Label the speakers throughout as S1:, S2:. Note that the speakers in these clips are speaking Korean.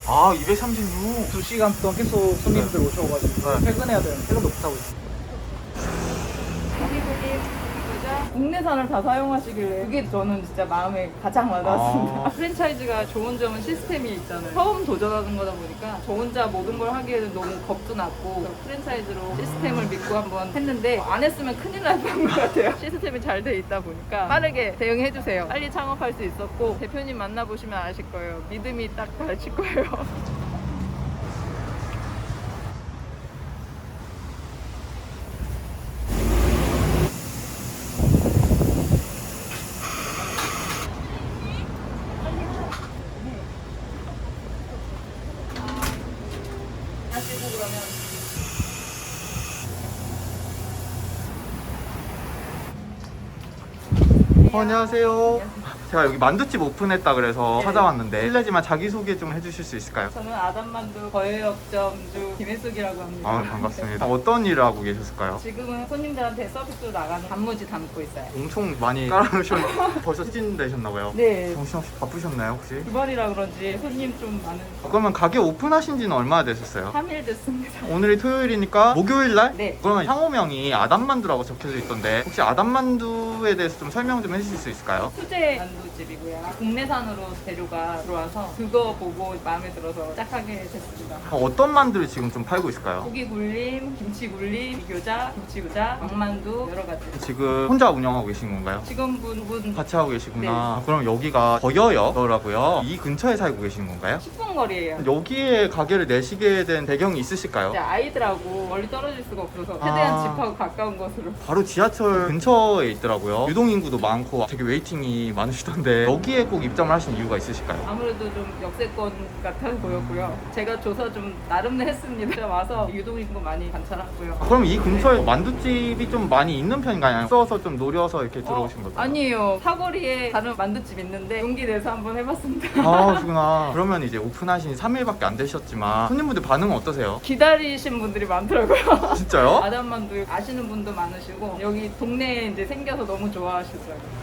S1: 아, 236.
S2: 2시간 동안 계속 손님들 오셔가지고
S1: 네.
S2: 퇴근해야 되는 퇴근도 못하고 있어요.
S3: 국내산을 다 사용하시길래 그게 저는 진짜 마음에 가장 와닿았습니다.
S1: 아.
S3: 프랜차이즈가 좋은 점은 시스템이 있잖아요. 처음 도전하는 거다 보니까 저 혼자 모든 걸 하기에는 너무 겁도 났고 프랜차이즈로 시스템을 믿고 한번 했는데 안 했으면 큰일 날 뻔한 것 같아요. 시스템이 잘 돼 있다 보니까 빠르게 대응해 주세요. 빨리 창업할 수 있었고 대표님 만나보시면 아실 거예요. 믿음이 딱 가르칠 거예요. 하시고 그러면
S1: 안녕하세요. 제가 여기 만두집 오픈했다 그래서 찾아왔는데 실례지만 자기소개 좀 해주실 수 있을까요?
S3: 저는 아담만두 거래역점주 김혜숙이라고 합니다.
S1: 아, 반갑습니다. 어떤 일을 하고 계셨을까요?
S3: 지금은 손님들한테 서비스로 나가는 단무지 담고 있어요.
S1: 엄청 많이 깔아놓으셨는데 벌써 시즌되셨나봐요.
S3: 네.
S1: 정신없이 바쁘셨나요 혹시?
S3: 주말이라 그런지 손님 좀 많은
S1: 그러면 가게 오픈하신 지는 얼마나 되셨어요?
S3: 3일 됐습니다.
S1: 오늘이 토요일이니까 목요일날?
S3: 네.
S1: 그러면 상호명이 아담만두라고 적혀져 있던데 혹시 아담만두에 대해서 좀 설명 좀 해주실 수 있을까요?
S3: 수제 만두집이고요. 국내산으로 재료가 들어와서 그거 보고 마음에 들어서 시작하게 됐습니다.
S1: 어떤 만두를 지금 좀 팔고 있을까요?
S3: 고기 굴림, 김치 굴림, 미교자, 김치교자, 왕만두 여러 가지.
S1: 지금 혼자 운영하고 계신 건가요?
S3: 직원분
S1: 같이 하고 계시구나. 그럼 여기가 거여역이라고요? 이 근처에 살고 계신 건가요?
S3: 10분 거리예요.
S1: 여기에 가게를 내시게 된 배경이 있으실까요?
S3: 이제 아이들하고 멀리 떨어질 수가 없어서 최대한
S1: 아.
S3: 집하고 가까운 곳으로.
S1: 바로 지하철 근처에 있더라고요. 유동인구도 많고 되게 웨이팅이 많으시던데 여기에 꼭 입점을 하신 이유가 있으실까요?
S3: 아무래도 좀 역세권 같아 보였고요. 제가 조사 좀 나름 했습니다. 와서 유동인구 많이 관찰하고요.
S1: 그럼 이 근처에 만두집이 좀 많이 있는 편인가요? 써서 좀 노려서 이렇게 들어오신 거죠?
S3: 아니에요. 사거리에 다른 만두집 있는데 용기 내서 한번 해봤습니다.
S1: 아, 그러시구나. 그러면 이제 오픈하신 3일밖에 안 되셨지만 손님분들 반응은 어떠세요?
S3: 기다리신 분들이 많더라고요.
S1: 진짜요?
S3: 아담만두 아시는 분도 많으시고 여기 동네에 이제 생겨서 너무 좋아하시더라고요.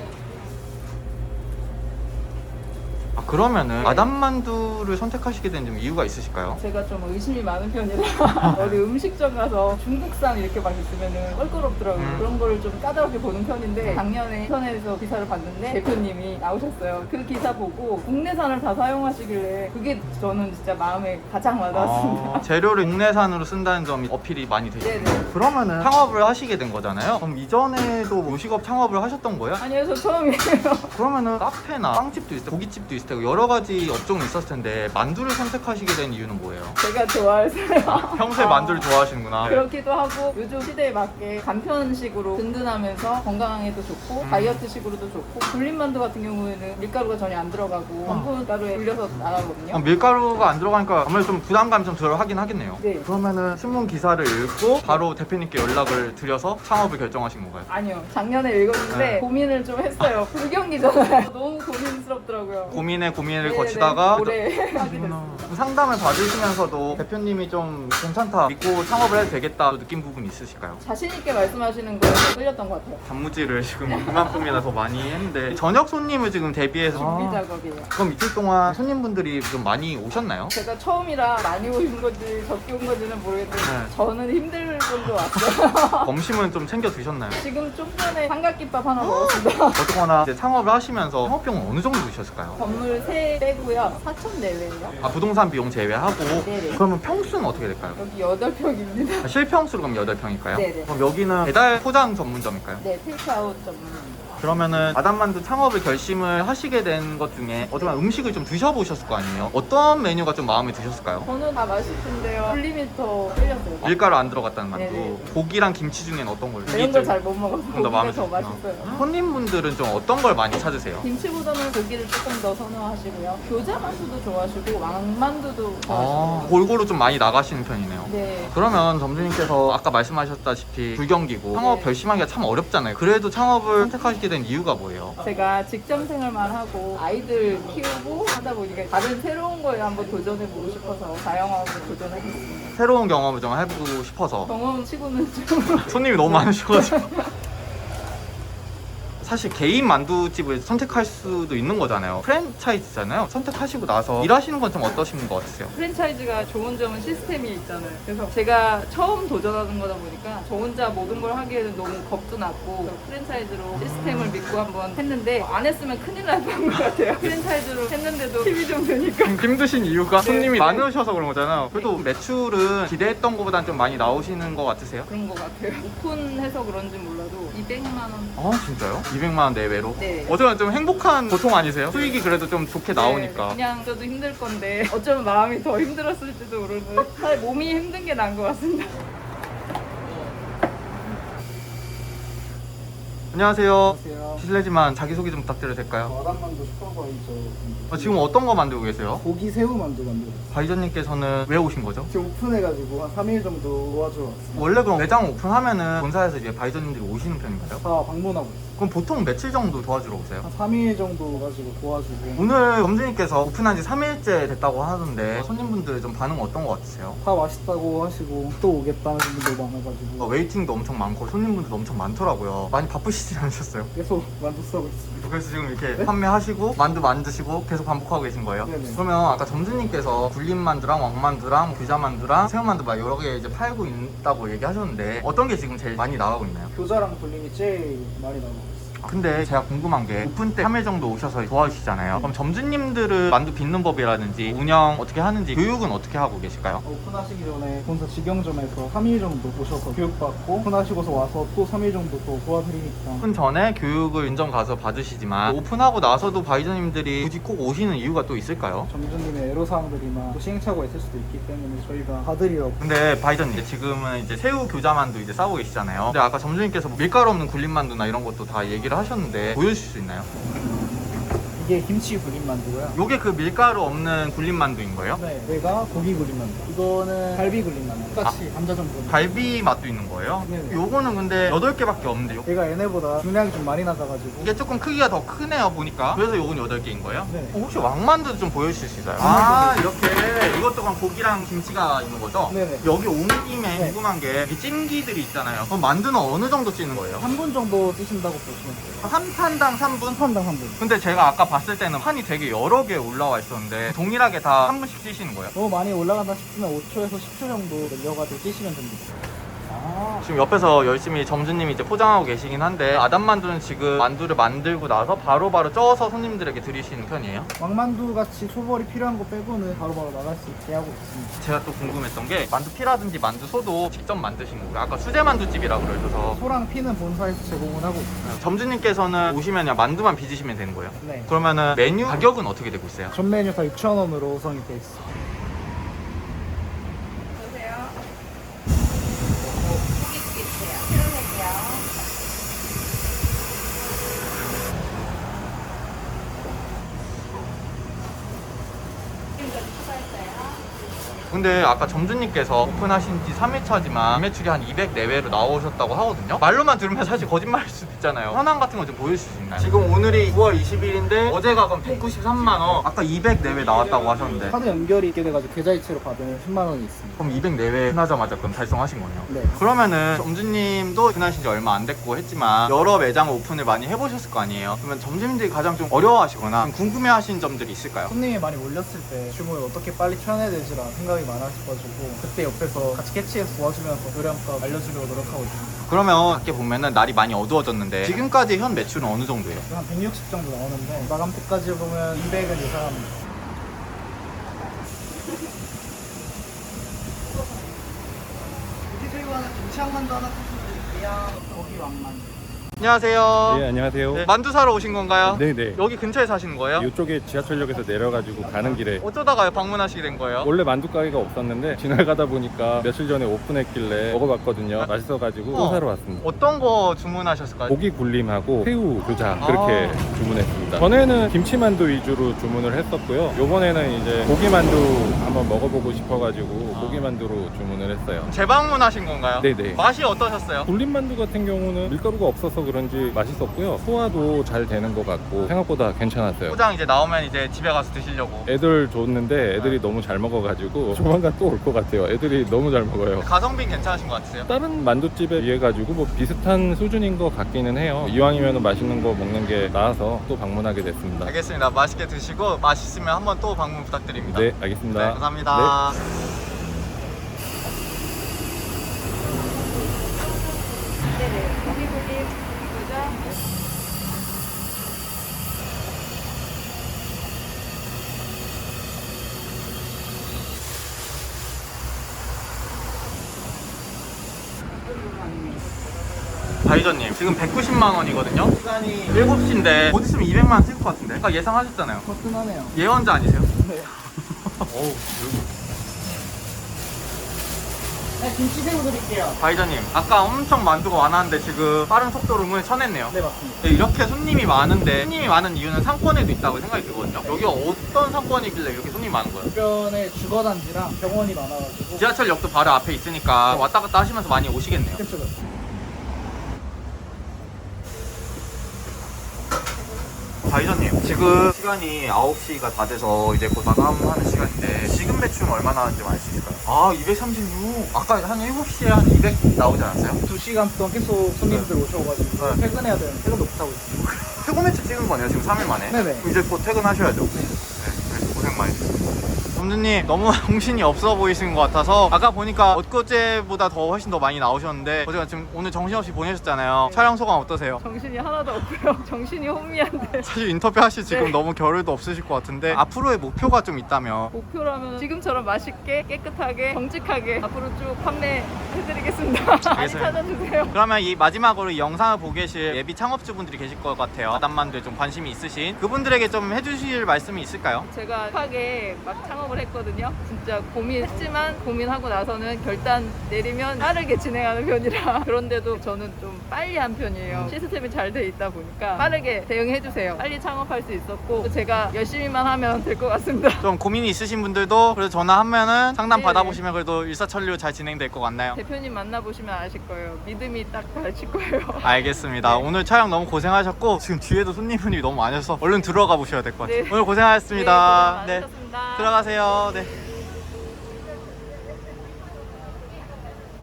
S1: 아, 그러면은 아담만두를 선택하시게 된 좀 이유가 있으실까요?
S3: 제가 좀 의심이 많은 편이라 어디 음식점 가서 중국산 이렇게 막 있으면은 껄끄럽더라고요. 그런 거를 좀 까다롭게 보는 편인데 작년에 인터넷에서 기사를 봤는데 대표님이 나오셨어요. 그 기사 보고 국내산을 다 사용하시길래 그게 저는 진짜 마음에 가장 와닿았습니다.
S1: 재료를 국내산으로 쓴다는 점이 어필이 많이 되시네요.
S3: 네네.
S1: 그러면은 창업을 하시게 된 거잖아요. 그럼 이전에도 요식업 창업을 하셨던 거예요?
S3: 아니요, 저 처음이에요.
S1: 그러면은 카페나 빵집도 있을 테고 고깃집도 있을 테고 여러 가지 업종이 있었을 텐데 만두를 선택하시게 된 이유는 뭐예요?
S3: 제가 좋아해서요.
S1: 평소에 만두를 좋아하시는구나.
S3: 그렇기도 하고 요즘 시대에 맞게 간편식으로 든든하면서 건강에도 좋고 다이어트식으로도 좋고 굴림만두 같은 경우에는 밀가루가 전혀 안 들어가고 원분가루에 불려서 나가거든요.
S1: 밀가루가 안 들어가니까 아무래도 좀 부담감이 좀 덜 하긴 하겠네요.
S3: 네.
S1: 그러면은 신문 기사를 읽고 바로 대표님께 연락을 드려서 창업을 결정하신 건가요?
S3: 아니요, 작년에 읽었는데
S1: 네.
S3: 고민을 좀 했어요. 불경기잖아요. 너무 고민스럽더라고요.
S1: 고민을
S3: 네네,
S1: 거치다가
S3: 오래 하게
S1: 그렇구나.
S3: 됐습니다.
S1: 상담을 받으시면서도 대표님이 좀 괜찮다 믿고 창업을 해도 되겠다 느낀 부분 있으실까요?
S3: 자신 있게 말씀하시는 거에 더 끌렸던 것 같아요.
S1: 단무지를 지금 이만큼이나 더 많이 했는데 저녁 손님을 지금 대비해서
S3: 준비 작업이에요.
S1: 그럼 이틀 동안 손님분들이 좀 많이 오셨나요?
S3: 제가 처음이라 많이 오신 건지 적게 온 건지는 모르겠는데
S1: 네.
S3: 저는 힘들 정도 왔어요.
S1: 점심은 좀 챙겨 드셨나요?
S3: 지금 좀 전에 삼각김밥 하나 먹었습니다.
S1: 어쨌거나 이제 창업을 하시면서 창업비용은 어느 정도 드셨을까요?
S3: 건물 세 빼고요. 4천 내외예요.
S1: 아, 부동산 비용 제외하고
S3: 네네.
S1: 그러면 평수는 어떻게 될까요?
S3: 여기 8평입니다.
S1: 실평수로 그럼 8평일까요?
S3: 네네.
S1: 그럼 여기는 배달 포장 전문점일까요?
S3: 네, 테이크아웃 전문입니다.
S1: 그러면은 아담만두 창업을 결심을 하시게 된 것 중에 어쩌면 음식을 좀 드셔보셨을 거 아니에요? 어떤 메뉴가 좀 마음에 드셨을까요?
S3: 저는 다 맛있는데요. 굴리미터 끌렸어요.
S1: 밀가루 안 들어갔다는 만두.
S3: 네네.
S1: 고기랑 김치 중에는 어떤 걸?
S3: 이런 걸 잘 못 먹어서
S1: 더
S3: 고기가
S1: 마음에
S3: 더
S1: 드셨구나.
S3: 맛있어요.
S1: 손님분들은 좀 어떤 걸 많이 찾으세요?
S3: 김치보다는 고기를 조금 더 선호하시고요. 교자만두도 좋아하시고 왕만두도
S1: 아,
S3: 좋아하시고.
S1: 골고루 좀 많이 나가시는 편이네요.
S3: 네.
S1: 그러면 점주님께서 아까 말씀하셨다시피 불경기고 창업
S3: 네.
S1: 결심하기가 참 어렵잖아요. 그래도 창업을 선택하시게 된 이유가 뭐예요?
S3: 제가 직장 생활만 하고 아이들 키우고 하다 보니까 다른 새로운 거에 한번 도전해보고 싶어서 다양하게 도전하겠습니다.
S1: 새로운 경험을 좀 해보고 싶어서
S3: 경험치고는 좀
S1: 손님이 너무 많으셔가지고 사실 개인 만두집을 선택할 수도 있는 거잖아요. 프랜차이즈잖아요. 선택하시고 나서 일하시는 건 좀 어떠신 것 같으세요?
S3: 프랜차이즈가 좋은 점은 시스템이 있잖아요. 그래서 제가 처음 도전하는 거다 보니까 저 혼자 모든 걸 하기에는 너무 겁도 났고 프랜차이즈로 시스템을 믿고 한번 했는데 안 했으면 큰일 날 뻔한 것 같아요. 프랜차이즈로 했는데도 힘이 좀 드니까.
S1: 힘드신 이유가
S3: 네.
S1: 손님이 많으셔서 그런 거잖아요. 그래도 매출은 기대했던 것보단 좀 많이 나오시는 것 같으세요?
S3: 그런 것 같아요. 오픈해서 그런지 몰라도 200만 원.
S1: 아 진짜요? 200만 원 내외로?
S3: 네.
S1: 어쩌면 좀 행복한 보통 아니세요? 수익이 그래도 좀 좋게 나오니까.
S3: 네, 그냥 저도 힘들 건데 어쩌면 마음이 더 힘들었을지도 모르는. 사실 몸이 힘든 게 나은 것 같습니다.
S1: 안녕하세요.
S2: 안녕하세요.
S1: 실례지만 자기소개 좀 부탁드려도 될까요?
S2: 와당만두 슈퍼바이저.
S1: 지금 어떤 거 만들고 계세요?
S2: 고기 새우 만두 만들었어요.
S1: 바이저님께서는 왜 오신 거죠?
S2: 지금 오픈해가지고 한 3일 정도 도와주러 왔어요.
S1: 원래 그럼 매장 오픈하면은 본사에서 이제 바이저님들이 오시는 편인가요?
S2: 다 방문하고 있어요.
S1: 그럼 보통 며칠 정도 도와주러 오세요?
S2: 한 3일 정도 가지고 도와주고.
S1: 오늘 점주님께서 오픈한 지 3일째 됐다고 하던데 손님분들 좀 반응 어떤 거 같으세요?
S2: 다 맛있다고 하시고 또 오겠다는 분들도 많아가지고
S1: 웨이팅도 엄청 많고 손님분들도 엄청 많더라고요. 많이 바쁘시지 않으셨어요?
S2: 계속 만두 쓰고 있습니다.
S1: 그래서 지금 이렇게 판매하시고 만두 만드시고 계속 반복하고 계신 거예요?
S2: 네네.
S1: 그러면 아까 점주님께서 굴림만두랑 왕만두랑 규자만두랑 새우만두 막 여러 개 이제 팔고 있다고 얘기하셨는데 어떤 게 지금 제일 많이 나가고 있나요?
S2: 교자랑 불림이 제일 많이 나오고 있어요.
S1: 근데 제가 궁금한 게 오픈 때 3일 정도 오셔서 도와주시잖아요. 그럼 점주님들은 만두 빚는 법이라든지 운영 어떻게 하는지 교육은 어떻게 하고 계실까요?
S2: 오픈하시기 전에 본사 직영점에서 3일 정도 오셔서 교육받고 오픈하시고서 와서 또 3일 정도 또 도와드리니까.
S1: 오픈 전에 교육을 인정 가서 받으시지만 오픈하고 나서도 바이저님들이 굳이 꼭 오시는 이유가 또 있을까요?
S2: 점주님의 애로사항들이나 또 시행착오가 있을 수도 있기 때문에 저희가 봐드리려고.
S1: 근데 바이저님 지금은 이제 새우 교자만두 이제 싸고 계시잖아요. 근데 아까 점주님께서 뭐 밀가루 없는 굴림만두나 이런 것도 다 얘기를 하셨는데 보여주실 수 있나요?
S2: 이게 김치 불림 만두고요.
S1: 요게 그 밀가루 없는 굴림만두인 거예요?
S2: 네, 얘가 고기 굴림 만두. 이거는 갈비 굴림 만두. 똑같이 감자전 불림.
S1: 갈비 맛도 있는 거예요?
S2: 네네.
S1: 요거는 근데 8개밖에 없는데
S2: 얘가 얘네보다 중량이 좀 많이 낮아가지고.
S1: 이게 조금 크기가 더 크네요 보니까. 그래서 요건 8개인 거예요?
S2: 네.
S1: 혹시 왕만두도 좀 보여주실 수 있어요? 아 이렇게 이것도 그럼 고기랑 김치가 있는 거죠?
S2: 네네.
S1: 여기 온 김에
S2: 네.
S1: 궁금한 게 이 찜기들이 있잖아요. 그럼 만두는 어느 정도 찌는 거예요?
S2: 3분 정도 쓰신다고 보시면 돼요.
S1: 한 판당 3분?
S2: 한 판당 3분.
S1: 근데 제가 아까 봤을 때는 판이 되게 여러 개 올라와 있었는데 동일하게 다 한 분씩 찌시는 거예요?
S2: 너무 많이 올라간다 싶으면 5초에서 10초 정도 늘려가지고 찌시면 됩니다.
S1: 지금 옆에서 열심히 점주님이 이제 포장하고 계시긴 한데 아담만두는 지금 만두를 만들고 나서 바로바로 쪄서 손님들에게 드리시는 편이에요?
S2: 왕만두 같이 초벌이 필요한 거 빼고는 바로바로 나갈 수 있게 하고 있습니다.
S1: 제가 또 궁금했던 게 만두피라든지 만두소도 직접 만드신 거고요. 아까 수제만두집이라고 그러셔서
S2: 소랑 피는 본사에서 제공을 하고 있어요.
S1: 점주님께서는 오시면 그냥 만두만 빚으시면 되는 거예요.
S2: 네.
S1: 그러면은 메뉴 가격은 어떻게 되고 있어요?
S2: 전 메뉴 다 6,000원으로 구성이 돼 있어요.
S3: 보세요. 고기 드릴게요. 필요해요. 지금까지 추가했어요.
S1: 근데 아까 점주님께서 오픈하신 지 3일차지만 매출이 한 200 내외로 나오셨다고 하거든요. 말로만 들으면 사실 거짓말일 수도 있잖아요. 현황 같은 거 좀 보여주실 수 있나요? 지금 오늘이 9월 20일인데 어제가 그럼 193만 원, 아까 200 내외 나왔다고 하셨는데
S2: 카드 연결이 있게 돼가지고 계좌이체로 받으면 10만 원이 있습니다.
S1: 그럼 200 내외 끝나자마자 그럼 달성하신 거네요.
S2: 네.
S1: 그러면은 점주님도 오픈하신 지 얼마 안 됐고 했지만 여러 매장 오픈을 많이 해보셨을 거 아니에요. 그러면 점주님들이 가장 좀 어려워하시거나 좀 궁금해하시는 점들이 있을까요?
S2: 손님이 많이 몰렸을 때 주문을 어떻게 빨리 쳐내야 되지라는 생각이 많아져가지고 그때 옆에서 같이 캐치해서 도와주면서 요리함값 알려주려고 노력하고 있습니다.
S1: 그러면 밖에 보면은 날이 많이 어두워졌는데 지금까지 현 매출은 어느 정도예요?
S2: 한 160 정도 나오는데 마감 때까지 보면 200은 예상합니다. 고기 새우 하나, 김치 한 만두 하나 드릴게요. 고기 왕만두.
S1: 안녕하세요.
S4: 네, 안녕하세요.
S1: 네, 만두 사러 오신 건가요?
S4: 네네.
S1: 여기 근처에 사시는 거예요?
S4: 이쪽에 지하철역에서 내려가지고 가는 길에
S1: 어쩌다가 방문하시게 된 거예요?
S4: 원래 만두 가게가 없었는데 지나가다 보니까 며칠 전에 오픈했길래 먹어봤거든요. 맛있어가지고 또 사러 왔습니다.
S1: 어떤 거 주문하셨을까요?
S4: 고기 굴림하고 새우 교자 그렇게 주문했습니다. 전에는 김치만두 위주로 주문을 했었고요. 요번에는 이제 고기만두 한번 먹어보고 싶어가지고 고기만두로 주문을 했어요.
S1: 재방문하신 건가요?
S4: 네네.
S1: 맛이 어떠셨어요?
S4: 굴림만두 같은 경우는 밀가루가 없어서 그런지 맛있었고요. 소화도 잘 되는 것 같고 생각보다 괜찮았어요.
S1: 포장 이제 나오면 이제 집에 가서 드시려고.
S4: 애들 줬는데 애들이 너무 잘 먹어가지고 조만간 또 올 것 같아요. 애들이 너무 잘 먹어요.
S1: 가성비 괜찮으신 것 같으세요?
S4: 다른 만두집에 비해 가지고 뭐 비슷한 수준인 것 같기는 해요. 이왕이면 맛있는 거 먹는 게 나아서 또 방문하게 됐습니다.
S1: 알겠습니다. 맛있게 드시고 맛있으면 한번 또 방문 부탁드립니다.
S4: 네, 알겠습니다.
S1: 네, 감사합니다.
S3: 네네. 고기고기 고기고자.
S1: 바이저님 지금 190만 원이거든요. 시간이 7시인데 곧 있으면 200만 원 찍을 것 같은데. 아까 예상하셨잖아요.
S2: 거뜬하네요.
S1: 예언자 아니세요?
S2: 네.
S1: 어우,
S2: 네, 김치 새우 드릴게요.
S1: 바이저님 아까 엄청 만두가 많았는데 지금 빠른 속도로 문을 쳐냈네요.
S2: 네, 맞습니다.
S1: 네, 이렇게 손님이 많은데 손님이 많은 이유는 상권에도 있다고 생각이 들거든요. 여기가 어떤 상권이길래 이렇게 손님이 많은 거예요?
S2: 주변에 주거단지랑 병원이 많아가지고.
S1: 지하철역도 바로 앞에 있으니까 왔다 갔다 하시면서 많이 오시겠네요.
S2: 그쵸.
S1: 바이저님 지금 시간이 9시가 다 돼서 이제 곧 마감하는 시간인데 지금 매출은 얼마나 하는지 알 수 있을까요? 아 236. 아까 한 7시에 한 200 나오지 않았어요?
S2: 2시간 동안 계속 손님들 오셔가지고
S1: 네.
S2: 퇴근해야 되는 퇴근도 못하고 있어요.
S1: 최고 매출 찍은 거네요 지금 3일 만에.
S2: 네네.
S1: 이제 곧 퇴근하셔야죠. 네, 고생 많이 했습니다. 점주님 너무 정신이 없어 보이시는 것 같아서 아까 보니까 엊그제보다 더 훨씬 더 많이 나오셨는데 어제가 지금 오늘 정신없이 보내셨잖아요. 촬영 소감 어떠세요?
S3: 정신이 하나도 없고요. 정신이 혼미한데.
S1: 사실 인터뷰 하실 지금
S3: 네.
S1: 너무 겨를도 없으실 것 같은데 앞으로의 목표가 좀 있다면.
S3: 목표라면 지금처럼 맛있게 깨끗하게 정직하게 앞으로 쭉 판매해드리겠습니다. 많이
S1: 알겠습니다.
S3: 찾아주세요.
S1: 그러면 이 마지막으로 이 영상을 보고 계실 예비 창업주분들이 계실 것 같아요. 아담만두에 좀 관심이 있으신 그분들에게 좀 해주실 말씀이 있을까요?
S3: 제가 급하게 막 창업을 했거든요. 진짜 고민했지만 고민하고 나서는 결단 내리면 빠르게 진행하는 편이라 그런데도 저는 좀 빨리 한 편이에요. 시스템이 잘 돼 있다 보니까 빠르게 대응해 주세요. 빨리 창업할 수 있었고 제가 열심히만 하면 될 것 같습니다.
S1: 좀 고민이 있으신 분들도 그래서 전화하면은 상담
S3: 네네.
S1: 받아보시면 그래도 일사천리로 잘 진행될 것 같나요?
S3: 대표님 만나보시면 아실 거예요. 믿음이 딱 가실 거예요.
S1: 알겠습니다.
S3: 네.
S1: 오늘 촬영 너무 고생하셨고 지금 뒤에도 손님분이 너무 많으셔서 얼른 들어가 보셔야 될 것 같아요.
S3: 네.
S1: 오늘 고생하셨습니다.
S3: 네, 고생 많으셨습니다.
S1: 들어가세요. 네.